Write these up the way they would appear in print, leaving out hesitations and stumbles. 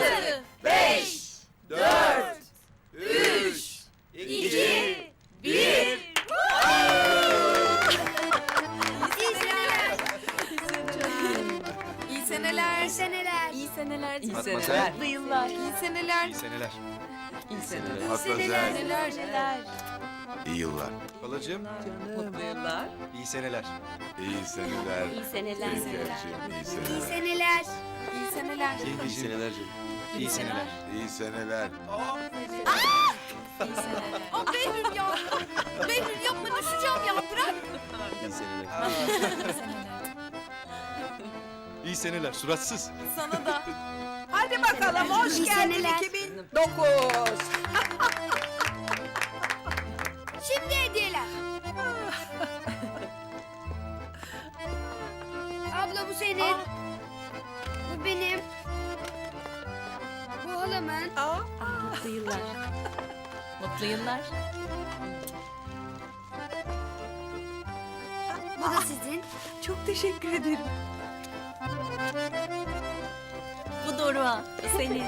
6, 5, 4, 3, 2, 1. İyi seneler. İyi seneler. İyi seneler. İyi Matmazel. seneler. Mutlu yıllar. İyi seneler. İyi seneler. İyi seneler. Matmazel. Seneler. İyi yıllar. Halacığım, Mutlu yıllar. iyi seneler. İyi seneler. İyi seneler. Şekerciğim, iyi İyi seneler. seneler. İyi seneler. İyi seneler canım. İyi seneler. İyi seneler. Aa, Behlül ya. Behlül yapma düşeceğim ya. Bırak. İyi seneler. İyi seneler, suratsız. Sana da. Hadi bakalım hoş İyi geldin seneler. 2009. Şimdi hediyeler. Abla bu senin. Bu benim. Bu halamın. Mutlu yıllar. Mutlu yıllar. Bu da sizin. Çok teşekkür ederim. Bu Doruk'a. Senin.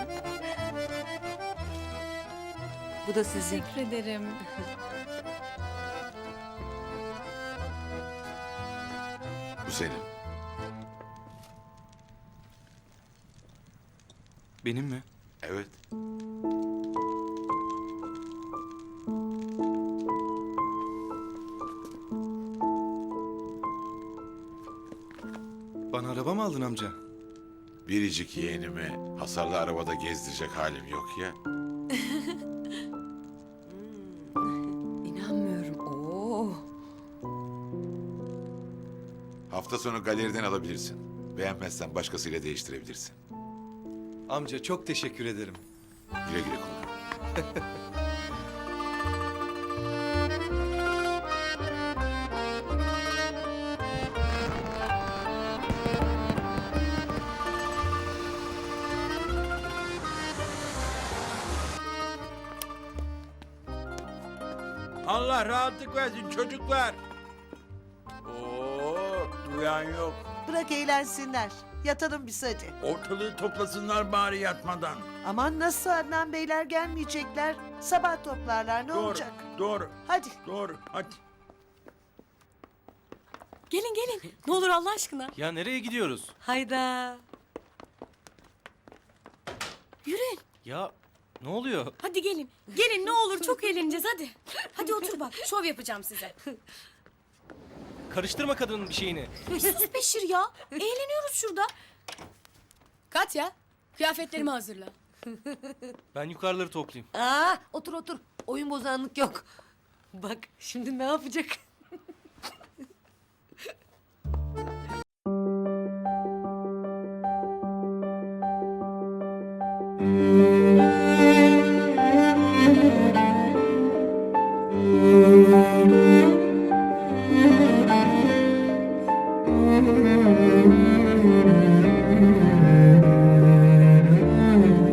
Bu da sizin. Teşekkür ederim. Bu senin. Benim mi? Evet. Bana araba mı aldın amca? Biricik yeğenimi hasarlı arabada gezdirecek halim yok ya. İnanmıyorum. Oo. Hafta sonu galeriden alabilirsin. Beğenmezsen başkasıyla değiştirebilirsin. Amca çok teşekkür ederim. Güle güle kullan. Allah rahatlık versin çocuklar. Oo, duyan yok. Bırak eğlensinler. Yatalım biz hadi. Ortalığı toplasınlar bari yatmadan. Aman nasıl Adnan Beyler gelmeyecekler. Sabah toplarlar ne Doğru, olacak? doğru, Hadi. doğru. Hadi. Gelin gelin. Ne olur Allah aşkına. Ya nereye gidiyoruz? Hayda. Yürüyün. Ya ne oluyor? Hadi gelin. Gelin ne olur çok eğleneceğiz hadi. Hadi otur bak. Şov yapacağım size. Karıştırma kadının bir şeyini. Bir sus Beşir ya. Eğleniyoruz şurada. Katya, kıyafetlerimi hazırla. Ben yukarıları toplayayım. Aa, otur otur. Oyun bozanlık yok. Bak şimdi ne yapacak?